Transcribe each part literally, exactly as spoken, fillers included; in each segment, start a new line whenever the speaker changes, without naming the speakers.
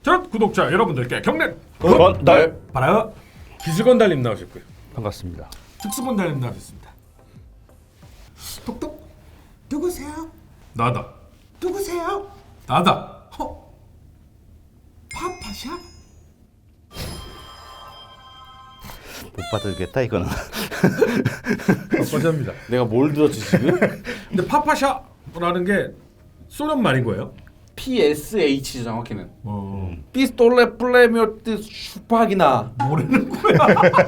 자, 구독자 여러분들께 경례
건달
바라 기술건달님 나오셨고요.
반갑습니다.
특수건달님 나오셨습니다.
똑똑 누구세요?
나다.
누구세요?
나다.
어? 파파샤?
못 받을겠다 이거는.
파파샤입니다.
내가 뭘 들었지 지금?
근데 파파샤라는 게 소련 말인 거예요?
피에스에이치 정확히는.
어.
피스톨레 플레미오트 슈파기나.
모르는 거야.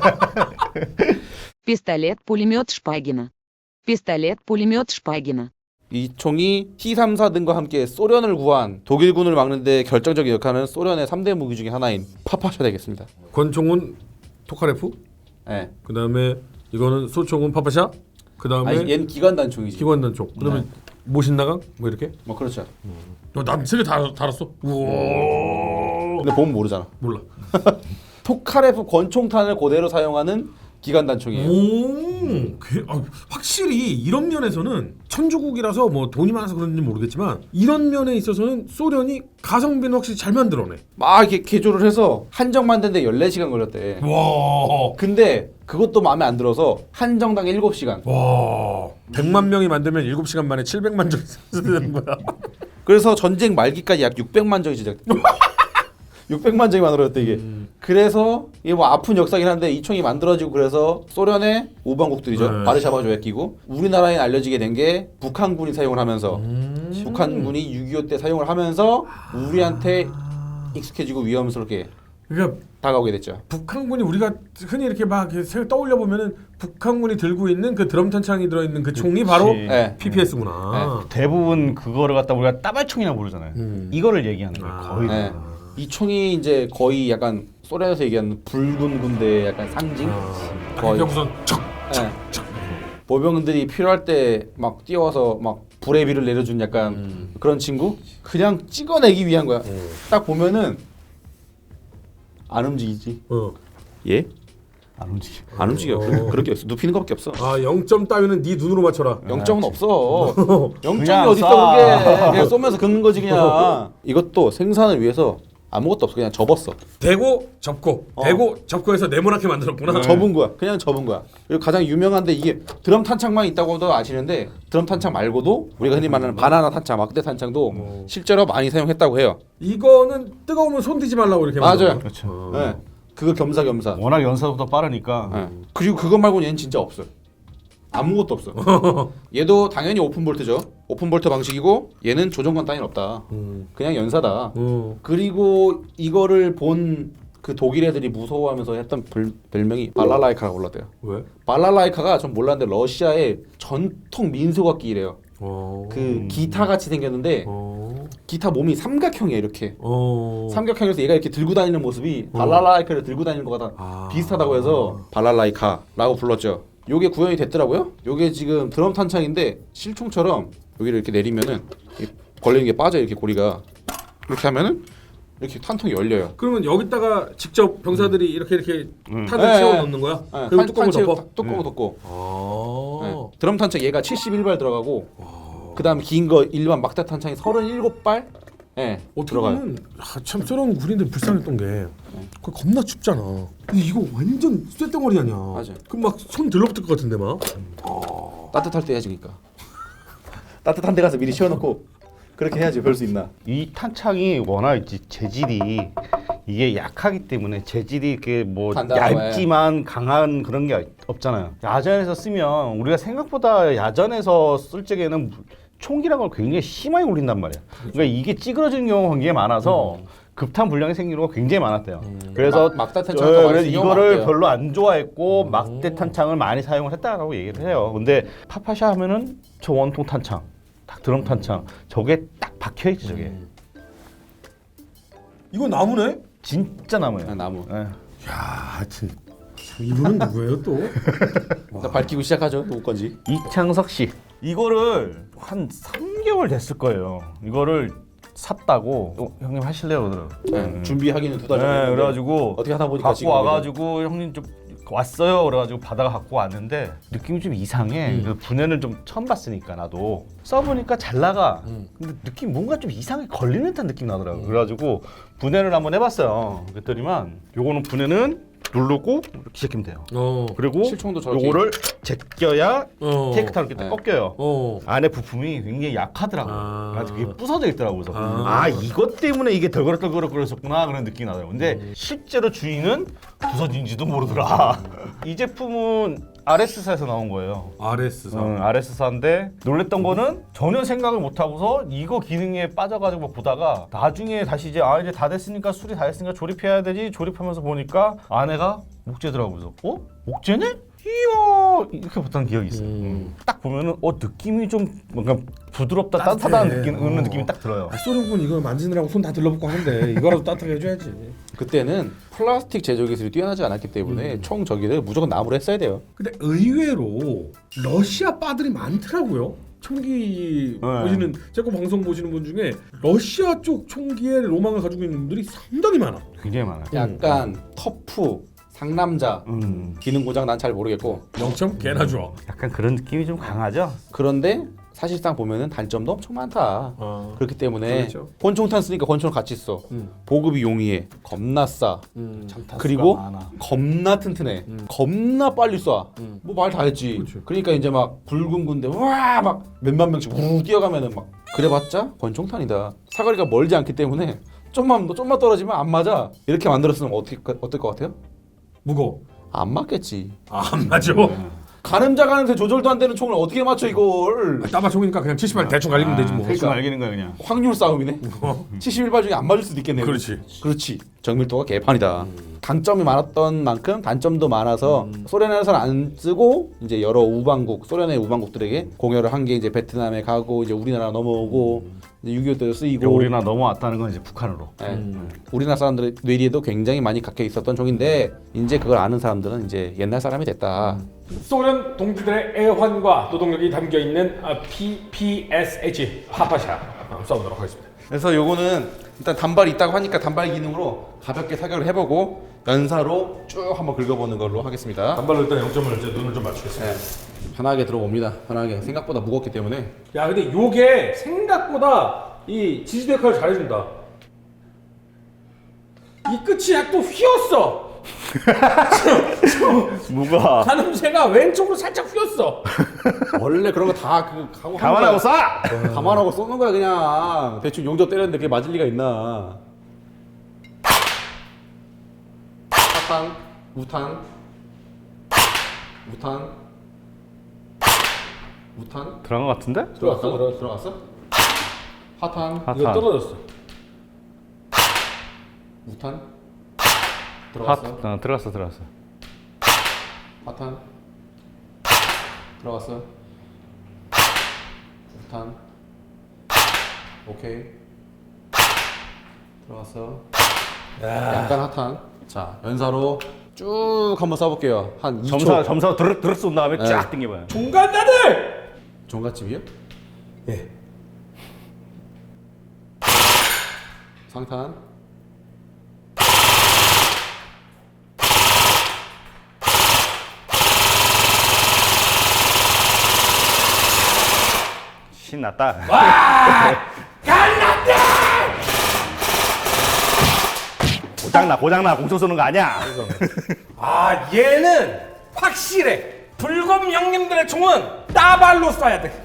Пистолет, пулемет Шпагина. Пистолет, пулемет Шпагина.
이 총이 티 삼십사 등과 함께 소련을 구한 독일군을 막는 데 결정적인 역할을 하는 소련의 삼 대 무기 중에 하나인 파파샤 되겠습니다.
권총은 토카레프.
네.
그 다음에 이거는 소총은 파파샤. 그 다음에
아니 얘는 기관단 총이지.
기관단 총. 그 다음에
네.
모신나강 뭐 이렇게.
뭐 그렇죠.
난세개다 달았어. 우와.
근데 보면 모르잖아.
몰라.
토카레프 권총탄을 그대로 사용하는 기관단 총이에요.
오, 그, 아, 확실히 이런 면에서는 천주국이라서 뭐 돈이 많아서 그런지 모르겠지만 이런 면에 있어서는 소련이 가성비는 확실히 잘 만들어내.
막 이렇게 개조를 해서 한정 만드는데 열네 시간 걸렸대.
와,
근데 그것도 마음에 안 들어서 한정당 일곱 시간.
와, 백만 명이 만들면 일곱 시간 만에 칠백만 정 써야 되는 거야.
그래서 전쟁 말기까지 약 육백만 정이 제작돼. 육백만 정이 만들어졌대 이게.
음.
그래서 이게 뭐 아픈 역사긴 한데 이 총이 만들어지고 그래서 소련의 우방국들이죠.
네.
바르샤바 조약 끼고 우리나라에 알려지게 된 게 북한군이 사용을 하면서
음.
북한군이 육이오 때 사용을 하면서 우리한테 익숙해지고 위험스럽게
그러니까
다가오게 됐죠.
북한군이 우리가 흔히 이렇게 막 이렇게 떠올려 보면은 북한군이 들고 있는 그 드럼 탄창이 들어 있는 그 총이 바로
네.
피피에스구나.
대부분 그거를 갖다 우리가 따발총이라고 부르잖아요.
음.
이거를 얘기하는 거예요.
아.
거의.
네. 이 총이 이제 거의 약간 소련에서 얘기하는 붉은 군대의 약간 상징.
거의 우선 척.
네. 보병들이 필요할 때 막 뛰어와서 막 불의 비를 내려준 약간
음.
그런 친구. 그냥 찍어내기 위한 거야.
음.
딱 보면은 안 움직이지.
어.
예?
안 움직여.
안 움직여.
어.
그런 그런 게 없어. 눕히는 거밖에 없어.
아, 영 점 따위는 네 눈으로 맞춰라.
영 점은 없어. 영 점이
그냥
어디 있어
쏴.
그게. 그냥 쏘면서 긁는 거지 그냥. 이것도 생산을 위해서 아무것도 없어. 그냥 접었어.
대고 접고
어.
대고 접고해서 네모나게 만들었구나.
접은 거야. 그냥 접은 거야. 그리고 가장 유명한데 이게 드럼 탄창만 있다고도 아시는데 드럼 탄창 말고도 우리가 흔히 말하는 바나나 탄창, 막대 탄창도
어.
실제로 많이 사용했다고 해요.
이거는 뜨거우면 손 대지 말라고 이렇게
맞아요.
만들었나?
그렇죠.
어.
네. 그거 겸사겸사.
워낙 연사보다 빠르니까.
네. 그리고 그거 말고는 얘는 진짜 없어요. 아무것도 없어. 얘도 당연히 오픈 볼트죠. 오픈 볼트 방식이고 얘는 조정관 따위는 없다.
음.
그냥 연사다.
어.
그리고 이거를 본 그 독일 애들이 무서워하면서 했던 별, 별명이 발랄라이카라고 불렀대요.
왜?
발랄라이카가 전 몰랐는데 러시아의 전통 민속악기래요.
어.
그 기타 같이 생겼는데
어.
기타 몸이 삼각형이야 이렇게.
어.
삼각형에서 얘가 이렇게 들고 다니는 모습이 발랄라이카를 들고 다니는 거가 다
아.
비슷하다고 해서 발랄라이카라고 불렀죠. 요게 구현이 됐더라고요. 요게 지금 드럼 탄창인데 실총처럼 여기를 이렇게 내리면은 이 걸리는 게 빠져 이렇게 고리가. 이렇게 하면은 이렇게 탄통이 열려요.
그러면 여기다가 직접 병사들이 이렇게 이렇게 탄을
네,
채워
네.
넣는 거야?
네,
그리고 뚜껑을
채우-
덮어?
뚜껑을 덮고.
아.
네. 드럼 탄창 얘가 칠십일 발 들어가고 그다음 긴 거 일반 막대 탄창이 서른일곱 발. 네,
어떻게
들어가요.
보면 아, 참 소련 군인들 불쌍했던 게 그거 겁나 춥잖아. 근데 이거 완전 쇳덩어리 아니야.
맞아.
그럼 막 손 들러붙을 것 같은데 막.
따뜻할 때 해야지 그러니까. 따뜻한 데 가서 미리 치워놓고 그렇게 해야지 별 수 있나.
이 탄창이 워낙 이제 재질이 이게 약하기 때문에 재질이 이렇게 뭐
단단하고,
얇지만 강한 그런 게 없잖아요. 야전에서 쓰면 우리가 생각보다 야전에서 쓸 적에는 총기란 걸 굉장히 심하게 울린단 말이야. 그러니까 이게 찌그러지는 경우가 굉장히 많아서 급탄 불량이 생기는 거 굉장히 많았대요. 그래서
막- 막대 탄창
어,
많이
그래서
쓰는 경우가
이거를
많대요.
별로 안 좋아했고 막대 탄창을 많이 사용을 했다라고 얘기를 해요. 근데 파파샤 하면은 저 원통 탄창, 딱 드럼 탄창, 저게 딱 박혀 있지 저게.
이거 나무네?
진짜 나무예요.
아, 나무.
예.
야, 하여튼 이분은 누구예요 또?
일단 밝히고 시작하죠. 누구 건지.
이창석 씨. 이거를 한 삼 개월 됐을 거예요. 이거를 샀다고 어, 형님 하실래요 그러더라고요.
네, 준비하기는 두 달 전에.
네, 그래가지고
어떻게 하다 보니까
갖고
지금
와가지고 형님 좀 왔어요. 그래가지고 바다가 갖고 왔는데 느낌이 좀 이상해. 그 분해를 좀 처음 봤으니까 나도 써보니까 잘 나가. 근데 느낌 뭔가 좀 이상하게 걸리는 듯한 느낌 나더라고. 그래가지고 분해를 한번 해봤어요. 그랬더니만 요거는 분해는 누르고 이렇게 제끼면 돼요.
어.
그리고
실총도 저렇게
요거를 제껴야
어.
테이크 타로 이렇게
네.
꺾여요.
어.
안에 부품이 굉장히 약하더라고요.
아.
그래서 그게 부서져 있더라고요. 그래서
아.
아, 이것 때문에 이게 덜그럭덜그럭거렸었구나 그런 느낌이 나더라고요. 근데 실제로 주인은 부서진지도 모르더라. 이 제품은 아르에스사에서 나온 거예요.
아르에스사.
응, 아르에스사인데 놀랬던 거는 전혀 생각을 못 하고서 이거 기능에 빠져가지고 막 보다가 나중에 다시 이제 아 이제 다 됐으니까 수리 다 됐으니까 조립해야 되지 조립하면서 보니까 아내가 목재더라고요. 그래서 어? 목재네? 이야 이렇게 봤던 기억이 있어요. 음. 딱 보면은 어 느낌이 좀 뭔가 부드럽다
따뜻해.
따뜻하다는 느낌,
어.
는 느낌이 딱 들어요.
아, 소련군 이거 만지느라고 손 다 들러붙고 하는데 이거라도 따뜻하게 해줘야지.
그때는 플라스틱 제조 기술이 뛰어나지 않았기 때문에
음.
총 저기를 무조건 나무로 했어야 돼요.
근데 의외로 러시아 바들이 많더라고요. 총기
네.
보시는 제 거 방송 보시는 분 중에 러시아 쪽 총기에 로망을 가지고 있는 분들이 상당히 많아.
굉장히 많아요.
약간 터프, 상남자,
음.
기능 고장 난 잘 모르겠고
영 점 개나 좋아.
약간 그런 느낌이 좀 강하죠.
그런데 사실상 보면은 단점도 엄청 많다.
어.
그렇기 때문에
그렇죠.
권총탄 쓰니까 권총을 같이 써.
음.
보급이 용이해. 겁나 싸.
음.
그리고
많아.
겁나 튼튼해. 겁나 빨리 쏴.
음.
뭐 말 다 했지.
그렇죠.
그러니까 이제 막 붉은 군대 와 막 몇만 명씩 우르르 뛰어가면은 막 그래봤자 권총탄이다. 사거리가 멀지 않기 때문에 좀만 좀만 떨어지면 안 맞아. 이렇게 만들었으면 어떻게 어떨 것 같아요?
무거워.
안 맞겠지.
아, 안 맞아.
가늠자 가는데 조절도 안 되는 총을 어떻게 맞춰 이걸?
따마 총이니까 그냥 칠십 발 대충 갈리면 되지 뭐.
대충 알기는 거야 그냥.
확률 싸움이네. 칠십일 발 중에 안 맞을 수도 있겠네요.
그렇지.
그렇지. 정밀도가 개판이다. 강점이 많았던 만큼 단점도 많아서 소련에서는 안 쓰고 이제 여러 우방국, 소련의 우방국들에게 공여를 한 게 이제 베트남에 가고 이제 우리나라 넘어오고 이제 육이오 때도 쓰이고.
그러니까 우리나라 넘어왔다는 건 이제 북한으로.
예. 우리나라 사람들의 뇌리에도 굉장히 많이 각혀 있었던 종인데 이제 그걸 아는 사람들은 이제 옛날 사람이 됐다.
소련 동지들의 애환과 노동력이 담겨 있는 피피에스에이치 파파샤 써보도록 하겠습니다.
그래서 요거는 일단 단발이 있다고 하니까 단발 기능으로 가볍게 사격을 해보고 연사로 쭉 한번 긁어보는 걸로 하겠습니다.
단발로 일단 영 점을 이제 눈을 좀 맞추겠습니다.
네. 편하게 들어봅니다. 편하게. 생각보다 무겁기 때문에.
야, 근데 요게 생각보다 이 지지대 역할을 잘해준다. 이 끝이 약간 휘었어.
뭐가?
가늠쇠가 왼쪽으로 살짝 휘었어.
원래 그런 거 다 그 하고
감안하고 쏴.
감안하고 쏘는 거야 그냥. 대충 용접 때렸는데 그게 맞을 리가 있나? 사탄, 우탄, 우탄, 우탄.
들어간 것 같은데?
들어갔어? 들어, 들어갔어? 하탄,
하탄.
이거 떨어졌어.
우탄.
하,
들어갔어?
어, 들어갔어 들어갔어.
하탄. 들어갔어? 우탄. 오케이. 들어갔어. 약간 핫한. 자, 연사로 쭉 한번 쏴볼게요. 한 이 초.
점사 점사 드르륵 드르륵 쏜 다음에
네.
쫙 당겨봐요.
중간자들!
종갓집이요?
예.
상탄.
신났다.
갈랐다!
고장나 고장나 공초 쏘는 거 아니야.
아, 얘는 확실해. 불검 형님들의 총은 따발로 쏴야 돼.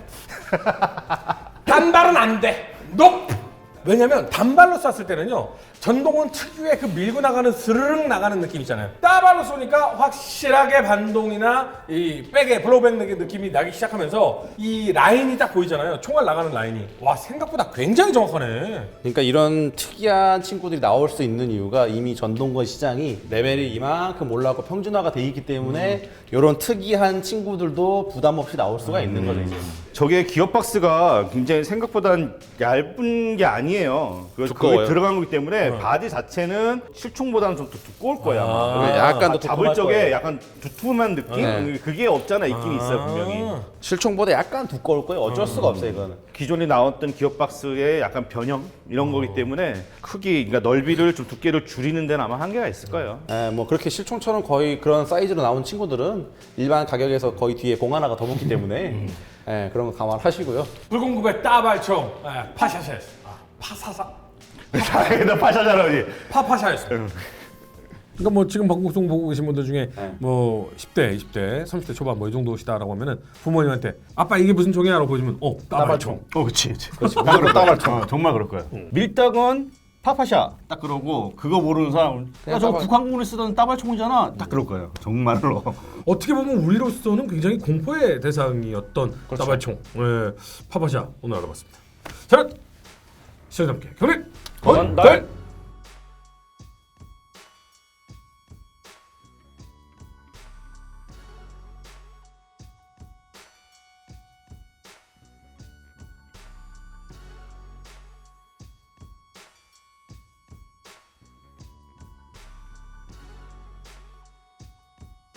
단발은 안 돼. 높. 왜냐면 단발로 쐈을 때는요, 전동은 특유의 그 밀고 나가는 스르륵 나가는 느낌 있잖아요. 따발로 쏘니까 확실하게 반동이나 이 백의 블로우백 느낌이 나기 시작하면서 이 라인이 딱 보이잖아요. 총알 나가는 라인이. 와, 생각보다 굉장히 정확하네.
그러니까 이런 특이한 친구들이 나올 수 있는 이유가 이미 전동건 시장이 레벨이 이만큼 올라가고 평준화가 돼 있기 때문에 이런 특이한 친구들도 부담 없이 나올 수가 있는 거죠. 이제.
저게 기어 박스가 굉장히 생각보단 얇은 게 아니에요. 그래서
두꺼워요.
그게 들어간 거기 때문에 바디 자체는 실총보다는 좀 더 두꺼울 거야. 아마.
아,
약간 더
잡을
두툼할
적에
거예요.
약간 두툼한 느낌?
네.
그게 없잖아. 있긴 있어요 분명히.
실총보다 약간 두꺼울 거예요. 어쩔 수가 없어요 이거는.
기존에 나왔던 기어 박스의 약간 변형 이런 거기 때문에 크기, 그러니까 넓이를 좀 두께를 줄이는 데는 아마 한계가 있을 거예요.
예, 뭐 그렇게 실총처럼 거의 그런 사이즈로 나온 친구들은 일반 가격에서 거의 뒤에 공 하나가 더 붙기 때문에 예, 그런 거 감안하시고요.
불공급의 따발총 예, 파샤샤 아, 파사사
나 파샤잖아 우리.
파파샤였습니다. 그러니까 뭐 지금 방송 보고 계신 분들 중에
네.
뭐 십 대, 이십 대, 삼십 대 초반 뭐 이 정도시다라고 하면은 부모님한테 아빠 이게 무슨 총이야라고 보시면 어 따발총.
어, 그렇지, 그렇지. 정말 그럴 거야. 어, 정말 그럴 거야. 밀당은 파파샤 딱 그러고 그거 모르는 사람은 야 저거
따발-
북한군이 쓰던 따발총이잖아. 딱 그럴 거예요. 정말로.
어떻게 보면 우리로서는 굉장히 공포의 대상이었던 따발총 예, 파파샤 오늘 알아봤습니다. 자, 시청자분께 경례
건달.